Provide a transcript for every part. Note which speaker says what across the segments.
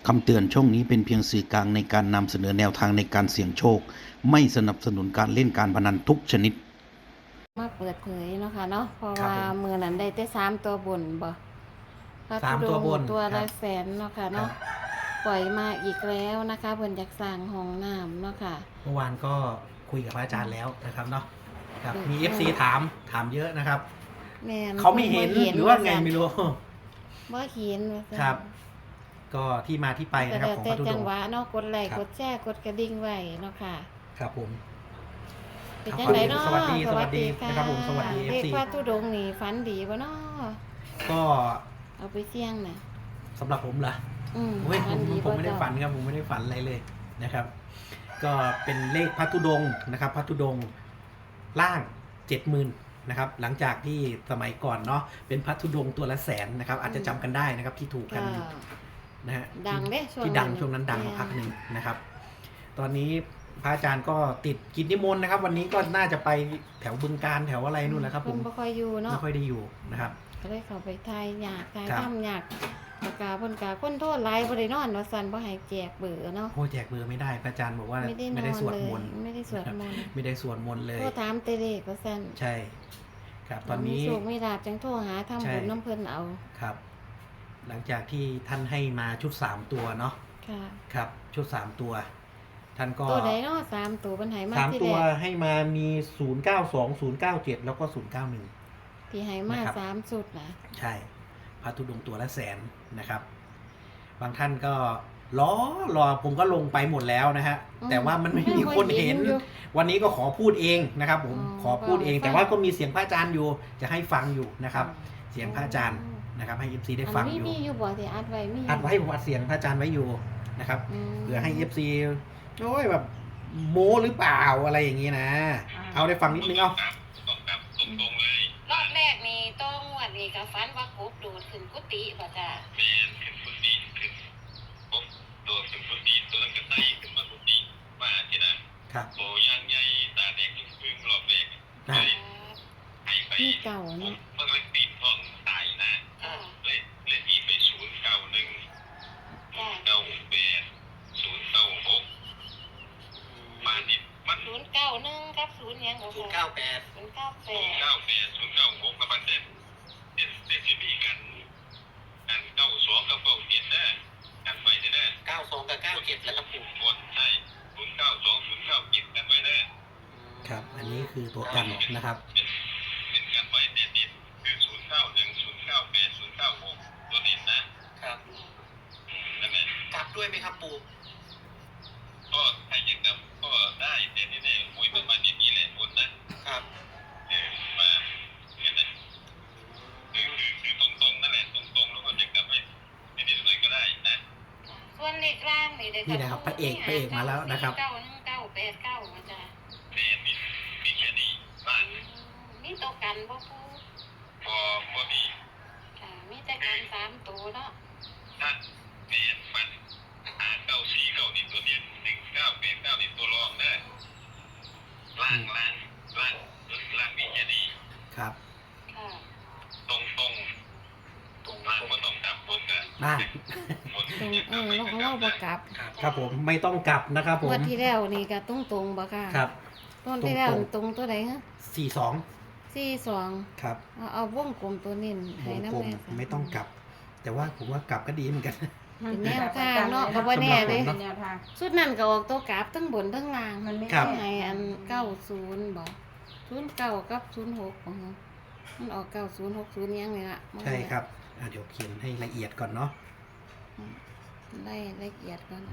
Speaker 1: คำเตือนช่องนี้เป็นเพียงสื่อกลางในการนำเสนอแนวทางในการเสี่ยงโชคไม่สนับสนุนการเล่นการพนันทุกชนิด
Speaker 2: มาเปิดเผยเนาะค่ะเนาะเพราะ
Speaker 3: ครับ
Speaker 2: ว่า
Speaker 3: ผม
Speaker 2: มือนั้นได้แต่3 ตัวบนบ่พระ
Speaker 3: สาม
Speaker 2: ธุด
Speaker 3: ตัว
Speaker 2: ง
Speaker 3: บ
Speaker 2: ค์
Speaker 3: น
Speaker 2: ตัว
Speaker 3: ครั
Speaker 2: ละ
Speaker 3: บ
Speaker 2: แสนเนาะค่ะเนาะปล่อยมาอีกแล้วนะคะเพิ่นอยากสร้างห้องน้ำเนาะค่ะ
Speaker 3: เมื่อวานก็คุยกับพระอาจารย์แล้วนะครับเนาะครับมี
Speaker 2: อืม
Speaker 3: FC ถามเยอะนะครับ
Speaker 2: แม่น
Speaker 3: เขาไม่เห็นหรือว่าไงไม่รู้
Speaker 2: บ่เห็นว่าซั่น
Speaker 3: ครับ ก็ที่มาที่ไป
Speaker 2: ก็
Speaker 3: นะครับ
Speaker 2: แล้ว
Speaker 3: ของ
Speaker 2: แต่
Speaker 3: พระธุด
Speaker 2: จั
Speaker 3: ง
Speaker 2: ง
Speaker 3: ค์
Speaker 2: หวะเนาะกดไลค์
Speaker 3: ครับ
Speaker 2: กดแชร์กดกระดิ่งไว้เนาะค่ะ
Speaker 3: ครับผม
Speaker 2: เป็น
Speaker 3: ครับ
Speaker 2: จังไดเนาะ
Speaker 3: สวัสดีนะครับผมสวัสดี
Speaker 2: เลข
Speaker 3: FC
Speaker 2: พระธุดงค์นี่ฝันดีบ่เนาะ
Speaker 3: ก็
Speaker 2: เอาไปเสี่ยงน่ะ
Speaker 3: สำหรับผมเหรอ
Speaker 2: ฝั
Speaker 3: ผม
Speaker 2: นดี
Speaker 3: ผม
Speaker 2: บ่
Speaker 3: ไม่ได้
Speaker 2: เจ้า
Speaker 3: ฝันครับผมไม่ได้ฝันอะไรเลยนะครับ ก็เป็นเลขพระธุดงค์นะครับพระธุดงค์ล่าง 70,000นะครับหลังจากที่สมัยก่อนเนาะเป็นพระธุดงค์ตัวละแสนนะครับอาจจะจำกันได้นะครับที่ถูก
Speaker 2: ก็
Speaker 3: กันนะฮะ
Speaker 2: ดังเด้ช่วง
Speaker 3: ที่ดัง
Speaker 2: นั้น
Speaker 3: ช่วงนั้นดัง
Speaker 2: แม่
Speaker 3: มาพักหนึ่งนะครับ ตอนนี้พระอาจารย์ก็ติดกิจนิมนต์นะครับ วันนี้ก็น่าจะไปแถวบึงการแถวอะไรนู่นแหละครับผม
Speaker 2: เพิ่นบ่ค่อยอยู่เนาะ
Speaker 3: ไม่ค่อยได้อยู่นะครับ
Speaker 2: ก็เลยเข้าไปทายยากทาย
Speaker 3: ครับ
Speaker 2: ทำยากปากกาเพิ่นกาคนโทษหลายบ่ได้นอนว่าซั่นบ่ให้แจกเบอร์เนาะ
Speaker 3: โอ้แจกเบอร์ไม่ได้พระอาจารย์บอกว่า
Speaker 2: ไม่ได้น
Speaker 3: ไม่
Speaker 2: อน
Speaker 3: ได้สวด
Speaker 2: เลย
Speaker 3: มนต์
Speaker 2: ไม่ได้สวดมนต์
Speaker 3: ไม่ได้สวดมนต์เลย
Speaker 2: โทรถามแต่เลขว่าซั่น
Speaker 3: ใช่ ครับตอนนี้
Speaker 2: มีโชคมีลาภจังโทรหาทำบุญ
Speaker 3: ใช่
Speaker 2: น้ำเพิ่นเอา
Speaker 3: ครับ หลังจากที่ท่านให้มาชุด3ตัวเนาะ
Speaker 2: ค่ะ
Speaker 3: ครับ ชุด3ตัว ท่านก็
Speaker 2: ตัวใดเนาะ3ตัวเพิ่นให้มา
Speaker 3: สาม
Speaker 2: ที่
Speaker 3: ตั
Speaker 2: แร
Speaker 3: ว
Speaker 2: ก
Speaker 3: ให้มามี 092 097 แล้วก็ 091
Speaker 2: ที่ให้มา
Speaker 3: นะครับ
Speaker 2: 3สุดนะ
Speaker 3: ใช่พระธุดงค์ตัวละแสนนะครับ บางท่านก็รอผมก็ลงไปหมดแล้วนะฮะแต่ว่ามันไม่มีคนเห็น
Speaker 2: อยู่
Speaker 3: วันนี้ก็ขอพูดเองนะครับ ผม
Speaker 2: อ๋อ
Speaker 3: ขอพูดเอง
Speaker 2: ฟัง
Speaker 3: แต่ว่าก็มีเสียงพระอาจารย์อยู่จะให้ฟังอยู่นะครับ เสียงพระอาจารย์นะครับ ให้ FC ได้ฟัง
Speaker 2: อัน
Speaker 3: อ
Speaker 2: นี้
Speaker 3: ยู่
Speaker 2: มีอยู่บ่ที่อัดไว้มียู่
Speaker 3: อัดไว้ผมอัดเสียงพระอาจารย์ไว้อยู่นะครับ
Speaker 2: ม
Speaker 3: เผื่อให้ FC โอ้ยแบบโม้หรือเปล่าอะไรอย่างนี้นะ เอาได้ฟังนิดนึงเอา
Speaker 2: รอบแรกนี่ต้องงวดนี่ก็ฝันว่ากบโดดขึ้นกุฏิบ่จ้ะ
Speaker 3: ครับ
Speaker 4: โอ้ยางใหญ่ตาแดงยิ่งพึ่งหลอกแดง
Speaker 3: นะ
Speaker 4: ให้ไป
Speaker 2: มีเก่า
Speaker 4: ผม
Speaker 2: เนาะ
Speaker 4: เมื่อไรปีนห้องตายนะ
Speaker 2: อ่า
Speaker 4: เล่นอีไป091 098 096มานี่มัน
Speaker 2: 091กับ0หยังบ่ค่ะ
Speaker 3: 098
Speaker 2: 098
Speaker 4: 098 096กับมันเด่นสิมีกัน92กับ97นะกันไว้นะ
Speaker 3: 92 กับ 97 แล้วครับปู่
Speaker 4: บนใช่092 097กันไว้นะครับ
Speaker 3: อันนี้คือตัวกันนะครับ
Speaker 4: เป็นกันไว้เด่นๆคือ091 098 096ตัวเด่นนะครับ นั่นแหละ
Speaker 3: กลับด้วยไหมครับปู่
Speaker 4: ก็ใครจะกลับก็ได้แต่นี่เนี่ยหวยประมาณนี้แหละบนนะครับ มาเนี่ยนะคือตรงๆนั่นแหละตรงๆแล้วก็จะกลับไปนิดๆหน่อยก็ได้นะ
Speaker 2: ส่วนเลขล่างนี่ได้
Speaker 3: นี่นะครับพระเอกมาแล้วนะครับ
Speaker 2: 91989จ้ะ
Speaker 4: เด่นมีแค่นี้บ้าน
Speaker 2: มีตัวกันบ่ปู
Speaker 4: พอมี
Speaker 2: ค่ะมีแต่กัน3ตัวเนาะ
Speaker 4: ถ้าเด่นมัน949นี่ตัวเด่น1989นี่ตัวรองนะล่างมีแค่นี้
Speaker 3: ครับ
Speaker 2: ค่ะ
Speaker 4: ตรงล่างก็ต้องกลับบนกัน
Speaker 3: น่า
Speaker 4: บน
Speaker 2: ตรงเราบ่กลับ
Speaker 3: ครับผมไม่ต้องกลับนะครับผม
Speaker 2: งวดที่แล้วนี่ก็ตรงๆบ่ค่ะ
Speaker 3: ครับ
Speaker 2: ต้นที่แล้ว
Speaker 3: ตรง
Speaker 2: ตัวใดฮะ
Speaker 3: 42
Speaker 2: 42
Speaker 3: ครับ
Speaker 2: เอาวงกลมตัวนี้
Speaker 3: ว
Speaker 2: ให้
Speaker 3: ง
Speaker 2: น้ำ
Speaker 3: กลม
Speaker 2: แน่
Speaker 3: ไม่ต้องกลับ แต่ว่าผมว่ากลับก็ดีเหมือนกัน
Speaker 2: เป็นแนวทางเนาะก็บ่แน่เด้
Speaker 3: สำหรับผมเนาะ
Speaker 5: แนวทาง
Speaker 2: สุดนั้นก็ออกตัวกราฟทั้งบนทั้งล่าง
Speaker 5: มันไม่
Speaker 3: ครับ
Speaker 2: ให้อัน90บ่09กับ06บ่ฮะมันออก9060ยังนี่ล่ะ
Speaker 3: ใช่ครับเดี๋ยวเขียนให้ละเอียดก่อนเนาะ
Speaker 2: ได้ละเอียดก่อนนะ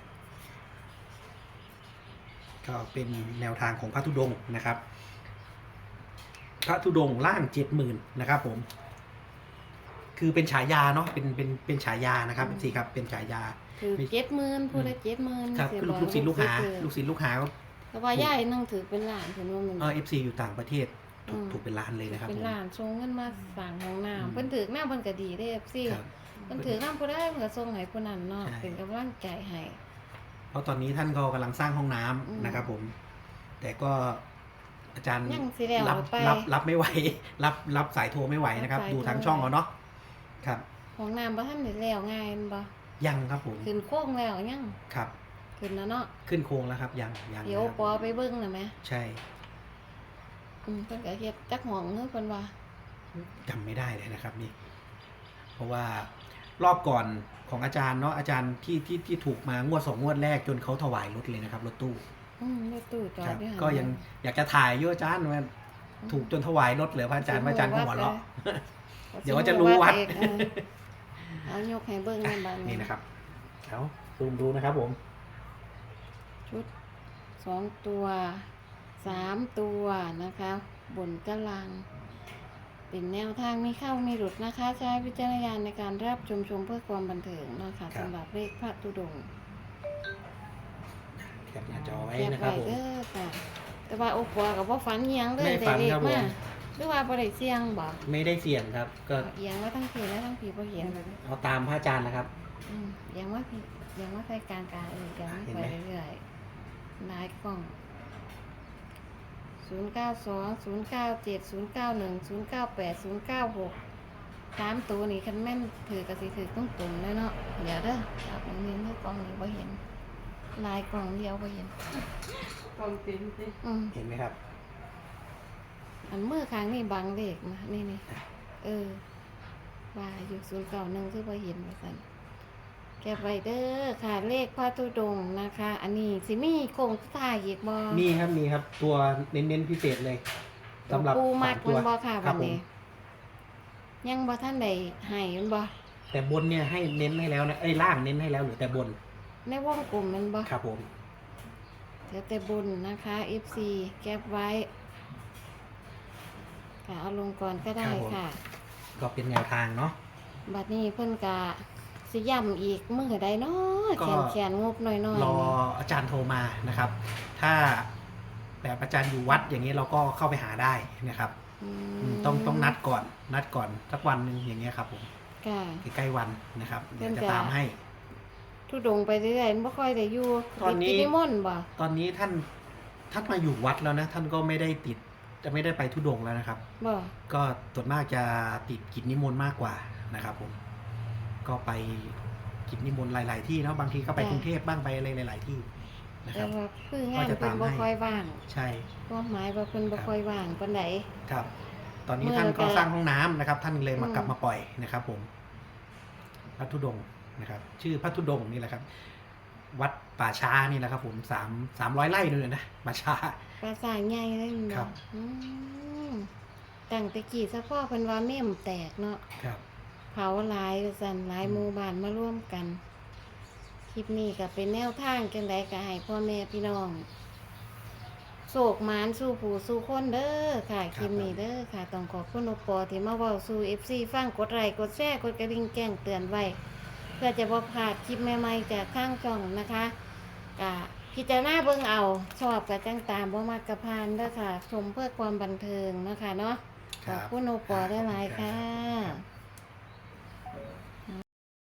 Speaker 3: ก็เป็นแนวทางของพระธุดงค์นะครับ พระธุดงค์ล่าง 70,000นะครับผม คือเป็นฉายาเนาะเป็นฉายานะครับสิครับเป็นฉายา
Speaker 2: คือ70,000ผู้ละ70,000
Speaker 3: ครับคือลูกศิษย์ลูกหาก็
Speaker 2: แต่ว่าย่ายนึงถือเป็นล้านคือว่ามัน
Speaker 3: FC อยู่ต่างประเทศถูกเป็นล้านเลยนะครับ
Speaker 2: เป็น
Speaker 3: ผม
Speaker 2: ล้านส่งเงินมาสั่งห้อง
Speaker 3: อืม
Speaker 2: น้ำเพิ่นถือหน้าเพิ่นก็ดีเด้ FC
Speaker 3: ครับ
Speaker 2: เพิ่นถือน้ำผู้ใดเพิ่นก็ส่งให้ผู้นั้นเนาะ
Speaker 3: ใช่
Speaker 2: เป็นกำลังใจให้
Speaker 3: เพราะตอนนี้ท่านก็กำลังสร้างห้องน้ำ
Speaker 2: อืม
Speaker 3: นะครับผม แต่ก็อาจารย์
Speaker 2: ยังสิแล้ว
Speaker 3: รับ
Speaker 2: ไป
Speaker 3: รับไม่ไหว รับสายโทรไม่ไหวนะครับ
Speaker 2: รับสาย
Speaker 3: ดูทาง
Speaker 2: โทร
Speaker 3: ช่องเอาเนาะครับ
Speaker 2: ห้องน้ำบ่ทันได้แล้วง่ายแม่นบ่
Speaker 3: ยังครับผม
Speaker 2: ขึ้นโค้งแล้วยัง
Speaker 3: ครับ
Speaker 2: ขึ้นแล้วเนาะ
Speaker 3: ขึ้นโครงแล้วครับยัง
Speaker 2: เดี๋ยว
Speaker 3: นะครับ
Speaker 2: ปอไปเบิ่งน่ะแม่
Speaker 3: ใช่
Speaker 2: เพิ่นก็เฮ็ดจักห้องเด้อเพิ่นว่า
Speaker 3: จำไม่ได้เลยนะครับนี่ เพราะว่ารอบก่อนของอาจารย์เนาะอาจารย์ที่ถูกมางวด2 งวดแรกจนเขาถวายรถเลยนะครับรถตู้
Speaker 2: รถตู้จอ
Speaker 3: ค
Speaker 2: ด
Speaker 3: รับ
Speaker 2: อยู่หั่น
Speaker 3: ก็ยังอยากจะถ่ายอยู่อาจารย์ว่าถูกจนถวายรถเลยพระอาจารย์พระอาจารย์ก็หัวเราะ เดี๋ยวว่าจะรู้วัด
Speaker 2: เอกเอายกให้เบิ่งในบ้าน
Speaker 3: นี่นะครับเอาซูมดูนะครับผม
Speaker 2: ชุด2 ตัว 3 ตัวนะคะ บนกลางเป็นแนวทางไม่เข้าไม่หลุดนะคะ ใช้วิจารณญาณในการรับชมเพื่อความบันเทิงเนาะคะสำหรับเลขพระธุดงค์
Speaker 3: แคปหน้าจอไว้
Speaker 2: แคป
Speaker 3: นะครับ
Speaker 2: ไว้
Speaker 3: ผม
Speaker 2: เด้อค่ะแต่ว่าโอ้ปัวกับว่าฝันอิหยังเลย
Speaker 3: ไม่ฝัน
Speaker 2: เด็ก
Speaker 3: ครับผม
Speaker 2: มาหรือว่าบ่ได้เสี่ยงบ่
Speaker 3: ไม่ได้เสี่ยงครับ ก็
Speaker 2: เอียงว่าทั้งผีและทั้งผีบ่เห็น
Speaker 3: เอาตามพระอาจารย์นะครับ
Speaker 2: เอียงว่าผีเอียงว่าใส่กลางเอียง
Speaker 3: เห็น
Speaker 2: ไป
Speaker 3: ไหม
Speaker 2: เรื่อยๆหลายกล่อง092 097 091 098 096 3 ตัวนี่คันแม่นถือกระสิถือต้องตุ่มเลยเนาะเดี๋ยวเด้อจับมันมีเท่ากล่องนี้บ่เห็นลายกล่องเดียวบ่เห็น
Speaker 5: กองเต็มสิ
Speaker 3: เห็นไหมครับ
Speaker 2: อันมือข้างนี่บังเลขนะนี่ว่าอยู่091คือบ่เห็นว่าซั่นแก็บไว้เด้อค่ะเลขพระธุดงค์นะคะ อันนี้สิมีโครงสุดท้ายอีกบ่
Speaker 3: มีครับ ตัวเน้นๆพิเศษเลยสำหรับ
Speaker 2: ปูมัด
Speaker 3: สาม
Speaker 2: มันบ่ค่ะ
Speaker 3: ครั
Speaker 2: วั
Speaker 3: บ
Speaker 2: น
Speaker 3: ผม
Speaker 2: นี้ ยังบ่ท่านได้ให้มันบ่
Speaker 3: แต่บนเนี่ยให้เน้นให้แล้วนะล่างเน้นให้แล้วหรือแต่บน
Speaker 2: ในวงกลมมันบ่
Speaker 3: ครับผม
Speaker 2: เดี๋ยวแต่บุญนะคะ FC แก็บไว้ค่ะเอาลงก่อนก็ได้ค่ะ
Speaker 3: ก็เป็นแนวทางเนาะ
Speaker 2: บัดนี้เพิ่นก็สิย้ำอีกมื้อใดเนาะ
Speaker 3: ก็
Speaker 2: แขนงบน้อยๆ
Speaker 3: รอ
Speaker 2: นี่
Speaker 3: อาจารย์โทรมานะครับ ถ้าแบบอาจารย์อยู่วัดอย่างนี้เราก็เข้าไปหาได้นะครับ ต้องนัดก่อนสักวันหนึ่งอย่างเงี้ยครับผม
Speaker 2: ค่ะ
Speaker 3: ใกล้ๆวันนะครับ
Speaker 2: เพิ่
Speaker 3: เดี๋ย
Speaker 2: น
Speaker 3: วจะ
Speaker 2: จะ
Speaker 3: ตามให้
Speaker 2: ทุดงไปเรื่อยๆมันบ่ค่อยได้อยู่
Speaker 3: ตอนนี้
Speaker 2: ติดกิจนิมนต์บ่
Speaker 3: ตอนนี้ท่านมาอยู่วัดแล้วนะท่านก็ไม่ได้ติดจะไม่ได้ไปทุดงค์แล้วนะครับ
Speaker 2: บ่
Speaker 3: ก็ส่วนมากจะติดกิจนิมนต์มากกว่านะครับผมก็ไปกิจนิมนต์หลาย ๆ ที่เนาะบางทีก็ไปกรุงเทพบ้างไปอะไรหลาย ๆ ที่นะค
Speaker 2: แต่
Speaker 3: รับ
Speaker 2: ว่าคืองาน
Speaker 3: ก็จะ
Speaker 2: เพิ่น
Speaker 3: ตาม
Speaker 2: บ่
Speaker 3: ให้
Speaker 2: ค่อยว่าง
Speaker 3: ใช่
Speaker 2: ความหมายว่าเพิ่นบ่ค่อยว่างปานใด
Speaker 3: ครับ ตอนนี้
Speaker 2: เมื่อ
Speaker 3: ท่านก็
Speaker 2: ก็
Speaker 3: สร้างห้องน้ำนะครับ ท่านเลยมา
Speaker 2: อืม
Speaker 3: กลับมาปล่อยนะครับ ผมพระธุดงค์นะครับ ชื่อพระธุดงค์นี่แหละครับ วัดป่าช้านี่แหละครับ ผม300 ไร่เลยนะป่าช้า
Speaker 2: ปราสาทใหญ่เลยแม่น
Speaker 3: ครับ
Speaker 2: ตั้งแต่กี้ซะพ่อเพิ่นว่าเม่มแตกเนาะ
Speaker 3: ครับ
Speaker 2: เผาหลายว่าซั่นหลายหมู่บ้านมาร่วมกัน คลิปนี้ก็เป็นแนวทางจังไดก็ให้พ่อแม่พี่น้องโศกหมานสู่ผู้สู่คนเด้อค่ะคลิปนี้เด้อค่ะต้องขอบคุณอุปอที่มาเว้าสู่ FC ฟังกดไลค์กดแชร์กดกระดิ่งแจ้งเตือนไว้ เพื่อจะบ่พลาดคลิปใหม่ๆจากข้างช่องนะคะกะพิจารณาเบิ่งเอาชอบกับจังตามบ่มักกะพานเด้อค่ะชมเพื่อความบันเทิงนะคะเนาะขอบคุณอุปอได้หลายๆค่ะ